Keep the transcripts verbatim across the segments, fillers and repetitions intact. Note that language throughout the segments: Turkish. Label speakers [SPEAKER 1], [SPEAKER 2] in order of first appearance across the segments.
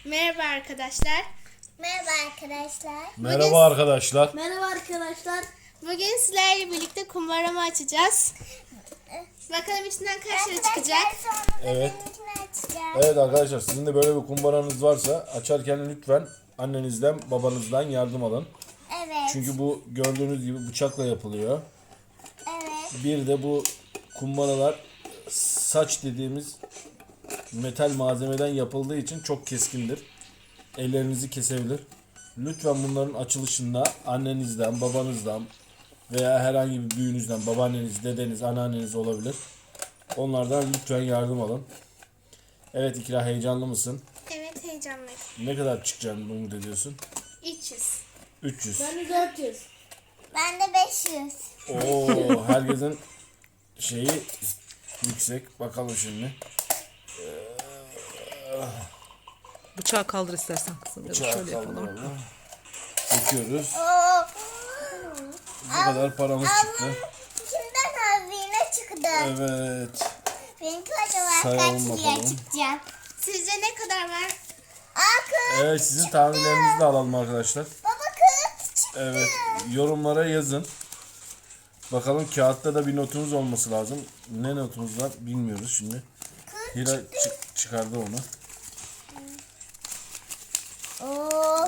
[SPEAKER 1] Merhaba arkadaşlar.
[SPEAKER 2] Merhaba arkadaşlar.
[SPEAKER 3] Merhaba arkadaşlar.
[SPEAKER 2] Merhaba arkadaşlar.
[SPEAKER 1] Bugün sizlerle birlikte kumbaramı açacağız. Bakalım içinden kaç lira çıkacak.
[SPEAKER 3] Evet.
[SPEAKER 2] Açacağız.
[SPEAKER 3] Evet arkadaşlar, sizin de böyle bir kumbaranız varsa açarken lütfen annenizden babanızdan yardım alın.
[SPEAKER 2] Evet.
[SPEAKER 3] Çünkü bu gördüğünüz gibi bıçakla yapılıyor.
[SPEAKER 2] Evet.
[SPEAKER 3] Bir de bu kumbaralar saç dediğimiz metal malzemeden yapıldığı için çok keskindir. Ellerinizi kesebilir. Lütfen bunların açılışında annenizden, babanızdan veya herhangi bir büyüğünüzden, babaanneniz, dedeniz, anneanneniz olabilir. Onlardan lütfen yardım alın. Evet İkra, heyecanlı mısın?
[SPEAKER 1] Evet, heyecanlıyım.
[SPEAKER 3] Ne kadar çıkacağını umut ediyorsun?
[SPEAKER 1] üç yüz.
[SPEAKER 3] üç yüz.
[SPEAKER 2] Ben de dört yüz. Ben de beş yüz.
[SPEAKER 3] Oo, herkesin şeyi yüksek. Bakalım şimdi.
[SPEAKER 4] Bıçağı kaldır istersen kızım. Ya da
[SPEAKER 3] Bıçağı
[SPEAKER 4] şöyle yapalım.
[SPEAKER 3] kaldıralım. Döküyoruz.
[SPEAKER 2] Oo.
[SPEAKER 3] Bu kadar paramız çıktı.
[SPEAKER 2] İçinden hazine çıktı.
[SPEAKER 3] Evet.
[SPEAKER 2] Benimki acaba
[SPEAKER 3] Sayalım
[SPEAKER 2] kaç liraya
[SPEAKER 3] bakalım.
[SPEAKER 2] çıkacak?
[SPEAKER 1] Sizce ne kadar var?
[SPEAKER 2] Aa,
[SPEAKER 3] Evet, sizin tahminlerinizi de alalım arkadaşlar.
[SPEAKER 2] baba kız çıktı.
[SPEAKER 3] Evet, yorumlara yazın. Bakalım, kağıtta da bir notumuz olması lazım. Ne notumuz var bilmiyoruz şimdi. Hira çı- çıkardı onu.
[SPEAKER 2] Oo.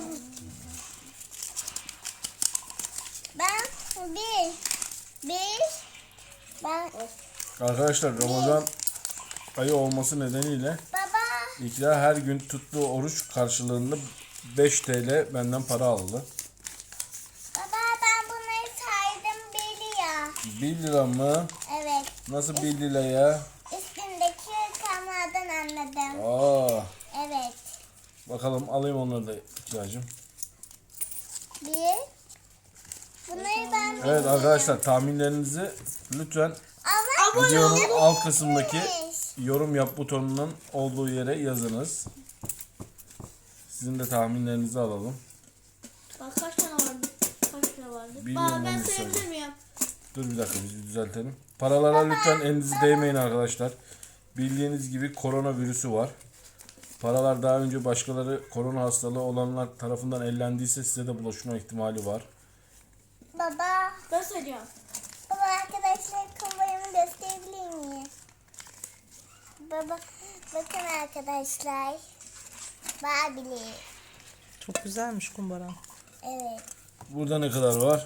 [SPEAKER 2] Ben bir. Bir. Ben
[SPEAKER 3] Arkadaşlar, Ramazan ayı olması nedeniyle
[SPEAKER 2] baba.
[SPEAKER 3] İkra her gün tuttuğu oruç karşılığında beş TL benden para aldı.
[SPEAKER 2] Baba ben bunları saydım bir lira.
[SPEAKER 3] bir lira mı?
[SPEAKER 2] Evet.
[SPEAKER 3] Nasıl bir lira ya?
[SPEAKER 2] Üstündeki rakamlardan anladım.
[SPEAKER 3] Aa,
[SPEAKER 2] Evet.
[SPEAKER 3] bakalım, alayım onları da İkracığım.
[SPEAKER 2] Bir. Bunları ben
[SPEAKER 3] Evet arkadaşlar, tahminlerinizi lütfen
[SPEAKER 2] Ama
[SPEAKER 3] videonun alt kısımdaki
[SPEAKER 2] beş.
[SPEAKER 3] yorum yap butonunun olduğu yere yazınız. Sizin de tahminlerinizi alalım.
[SPEAKER 2] Bak kaç tane vardı? Kaç tane vardı?
[SPEAKER 3] Bilmiyorum, onu söyle.
[SPEAKER 2] miyim?
[SPEAKER 3] Dur bir dakika, biz bir düzeltelim. Paralara lütfen elinizi değmeyin arkadaşlar. Bildiğiniz gibi koronavirüsü var. Paralar daha önce başkaları korona hastalığı olanlar tarafından ellendiyse size de bulaşma ihtimali var.
[SPEAKER 2] Baba. Ben söylüyorum. Baba arkadaşlar kumbaramı gösterebilir miyim? Baba bakın arkadaşlar. Barbie'li.
[SPEAKER 4] Çok güzelmiş kumbara.
[SPEAKER 2] Evet.
[SPEAKER 3] Burada ne kadar var?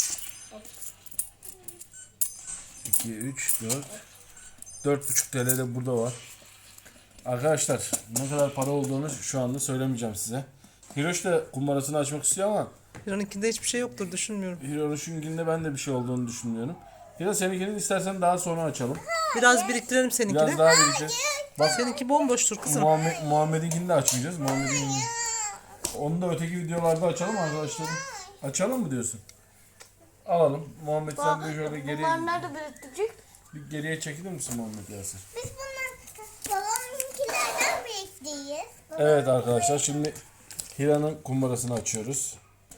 [SPEAKER 3] iki, üç, dört. dört buçuk T L de burada var. Arkadaşlar, ne kadar para olduğunu şu anda söylemeyeceğim size. Hiroş da kumbarasını açmak istiyor ama
[SPEAKER 4] Hira'nınkinde hiçbir şey yoktur düşünmüyorum.
[SPEAKER 3] Hiroş'unkinde ben de bir şey olduğunu düşünmüyorum. Hiro, seninkini istersen daha sonra açalım.
[SPEAKER 4] Biraz biriktirelim seninkini.
[SPEAKER 3] Biraz daha birlikte. Bak,
[SPEAKER 4] Seninki bomboştur kızım.
[SPEAKER 3] Muhammed, Muhammed'inkini de açmayacağız. Muhammed'in onu da öteki videolarda açalım arkadaşlarım. Açalım mı diyorsun? Alalım. Muhammed, sen de şöyle geriye,
[SPEAKER 2] nerede biriktirecek?
[SPEAKER 3] bir geriye çekilir misin Muhammed Yasir?
[SPEAKER 2] Biz bunlar babamınkilerden biriktiyiz.
[SPEAKER 3] Evet arkadaşlar, şimdi Hira'nın kumbarasını açıyoruz.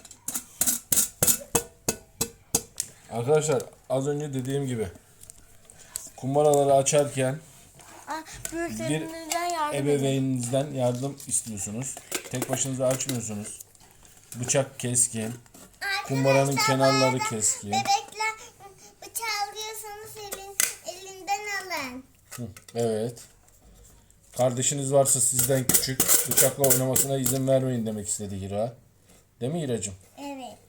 [SPEAKER 3] Arkadaşlar, az önce dediğim gibi kumbaraları açarken bir ebeveyninizden yardım istiyorsunuz. Tek başınıza açmıyorsunuz. Bıçak keskin. Kumbaranın kenarları keskin.
[SPEAKER 2] Bebekler bıçağı alıyorsanız elin, elinden alın.
[SPEAKER 3] Hı, evet. Kardeşiniz varsa sizden küçük, bıçakla oynamasına izin vermeyin demek istedi Hira. Değil mi Hiracığım?
[SPEAKER 2] Evet.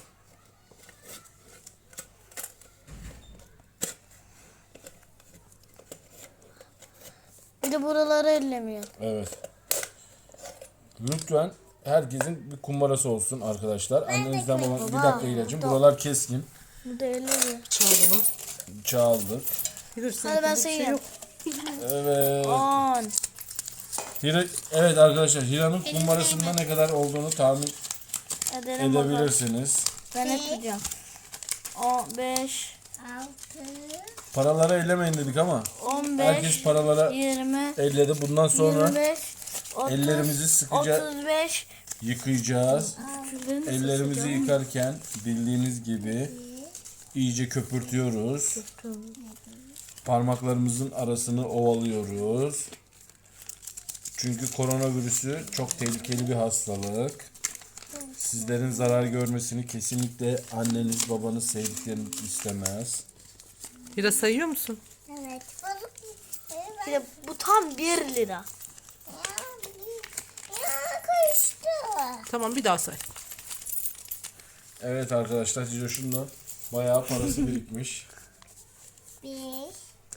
[SPEAKER 2] Bir de buraları ellemiyor.
[SPEAKER 3] Evet. Lütfen herkesin bir kumbarası olsun arkadaşlar. Annenizden babam. Bir dakika Hiracığım. Buralar keskin.
[SPEAKER 2] Bu da ellemiyor.
[SPEAKER 4] Çağıralım.
[SPEAKER 3] Çağıldı.
[SPEAKER 4] Hira
[SPEAKER 2] Hadi ben
[SPEAKER 4] seninkinde bir şey
[SPEAKER 2] sayayım.
[SPEAKER 4] yok.
[SPEAKER 3] Evet.
[SPEAKER 2] On.
[SPEAKER 3] Hira, evet arkadaşlar, Hira'nın kumbarasında ne kadar olduğunu tahmin
[SPEAKER 2] Edelim bakalım.
[SPEAKER 3] edebilirsiniz.
[SPEAKER 2] Ben yapacağım. On beş. Altı.
[SPEAKER 3] Paraları ellemeyin dedik ama
[SPEAKER 2] On beş.
[SPEAKER 3] herkes paralara
[SPEAKER 2] Yirmi.
[SPEAKER 3] elledi. Bundan sonra
[SPEAKER 2] Yirmi beş. Otuz.
[SPEAKER 3] ellerimizi sıkıca
[SPEAKER 2] Otuz beş.
[SPEAKER 3] yıkayacağız. Ellerimizi yıkarken bildiğiniz gibi iyice köpürtüyoruz. Parmaklarımızın arasını ovalıyoruz. Çünkü koronavirüsü çok tehlikeli bir hastalık. Sizlerin zarar görmesini kesinlikle anneniz, babanız, sevdikleriniz istemez.
[SPEAKER 4] Hira sayıyor musun?
[SPEAKER 5] Evet.
[SPEAKER 2] Bir de bu tam bir lira.
[SPEAKER 5] Ya karıştı.
[SPEAKER 4] Tamam bir daha say.
[SPEAKER 3] Evet arkadaşlar, Cicoş'un da bayağı parası birikmiş.
[SPEAKER 5] Bir,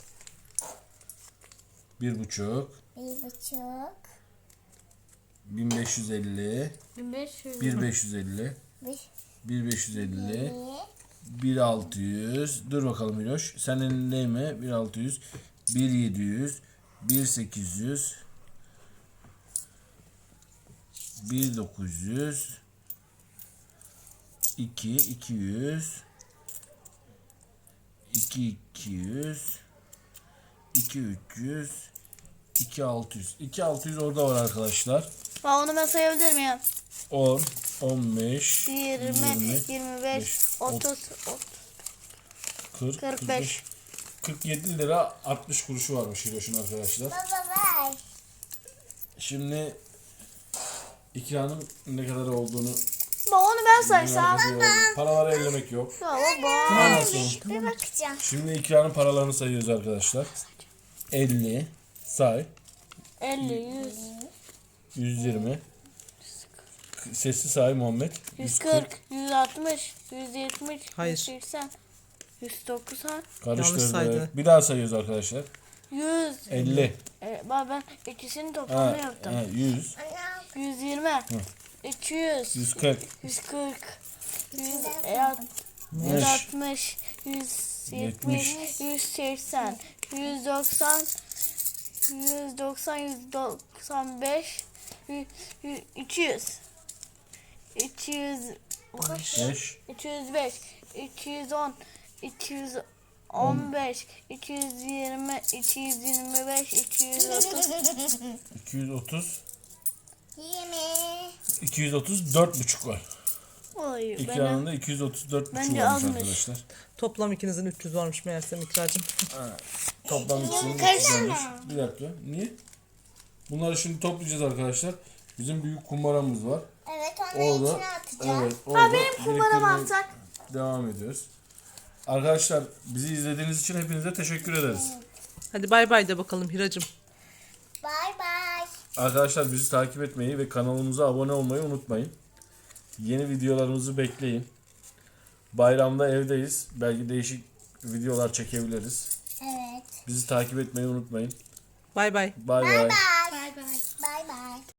[SPEAKER 3] Bir buçuk,
[SPEAKER 5] bir buçuk,
[SPEAKER 3] bin beş yüz elli,
[SPEAKER 2] bin beş yüz.
[SPEAKER 3] bir beş yüz elli,
[SPEAKER 5] bir,
[SPEAKER 3] bir beş yüz elli,
[SPEAKER 5] bir,
[SPEAKER 3] bir altı yüz. Dur bakalım Miloş. Senin ne mi? bir altı yüz, bir yedi yüz, bir sekiz yüz, bir dokuz yüz, iki iki yüz, iki iki yüz, iki üç yüz, iki altı yüz. iki altı yüz orada var arkadaşlar.
[SPEAKER 2] Aa, onu ben sayabilir miyim?
[SPEAKER 3] on, on beş,
[SPEAKER 2] yirmi, yirmi beş, otuz,
[SPEAKER 3] kırk,
[SPEAKER 2] kırk beş.
[SPEAKER 3] kırk yedi lira altmış kuruşu varmış Hiroş'un arkadaşlar.
[SPEAKER 5] baba ver.
[SPEAKER 3] Şimdi ikranın ne kadar olduğunu
[SPEAKER 2] Baba onu ben saysam.
[SPEAKER 3] merak ediyorum. Paraları ellemek yok.
[SPEAKER 2] Ya baba.
[SPEAKER 3] Tamam, nasıl?
[SPEAKER 5] Bir bakacağım.
[SPEAKER 3] Şimdi ikranın paralarını sayıyoruz arkadaşlar. elli, say,
[SPEAKER 2] elli, yüz,
[SPEAKER 3] yüz yirmi. Sesli say Muhammed.
[SPEAKER 2] yüz kırk, yüz altmış, yüz yetmiş,
[SPEAKER 4] Hayır.
[SPEAKER 2] yüz seksen, yüz doksan,
[SPEAKER 4] Yanlış
[SPEAKER 3] Karıştırdık.
[SPEAKER 4] saydı.
[SPEAKER 3] Bir daha sayıyoruz arkadaşlar.
[SPEAKER 2] yüz.
[SPEAKER 3] elli.
[SPEAKER 2] E, baba ben ikisini
[SPEAKER 3] Ha,
[SPEAKER 2] toplamda yaptım.
[SPEAKER 3] ha, yüz,
[SPEAKER 2] yüz yirmi, iki yüz,
[SPEAKER 3] yüz kırk,
[SPEAKER 2] yüz kırk, yüz
[SPEAKER 3] beş,
[SPEAKER 2] altmış, yüz yetmiş, yüz seksen, yüz doksan, yüz doksan, yüz doksan beş, iki yüz, iki yüz,
[SPEAKER 3] beş,
[SPEAKER 2] iki yüz beş, iki yüz on, iki yüz on beş, iki yüz yirmi, iki yüz yirmi beş, iki yüz otuz.
[SPEAKER 3] iki yüz otuz,
[SPEAKER 5] Yirmi.
[SPEAKER 3] iki yüz otuz dört buçuk var.
[SPEAKER 2] Oy, benim.
[SPEAKER 3] İkranında iki yüz otuz dört buçuk
[SPEAKER 2] Bence
[SPEAKER 3] varmış
[SPEAKER 2] azmış.
[SPEAKER 3] arkadaşlar.
[SPEAKER 4] Toplam ikinizin üç yüz varmış meğersem İkracığım.
[SPEAKER 3] Toplam ikisinin üç yüz olmuş. Bir dakika. Niye? Bunları şimdi toplayacağız arkadaşlar. Bizim büyük kumbaramız var.
[SPEAKER 5] Evet onun
[SPEAKER 3] Orada,
[SPEAKER 5] içine atacağım.
[SPEAKER 3] evet, orada
[SPEAKER 2] benim kumbaramı
[SPEAKER 3] biriktirmeye
[SPEAKER 2] atsak.
[SPEAKER 3] devam ediyoruz. Arkadaşlar bizi izlediğiniz için hepinize teşekkür ederiz.
[SPEAKER 4] Hadi bay bay de bakalım Hiracığım.
[SPEAKER 5] Bye bye.
[SPEAKER 3] Arkadaşlar bizi takip etmeyi ve kanalımıza abone olmayı unutmayın. Yeni videolarımızı bekleyin. Bayramda evdeyiz. Belki değişik videolar çekebiliriz.
[SPEAKER 5] Evet.
[SPEAKER 3] Bizi takip etmeyi unutmayın.
[SPEAKER 4] Bay bay.
[SPEAKER 3] Bay bay.
[SPEAKER 5] Bye.
[SPEAKER 1] Bay bay.
[SPEAKER 5] Bye bye.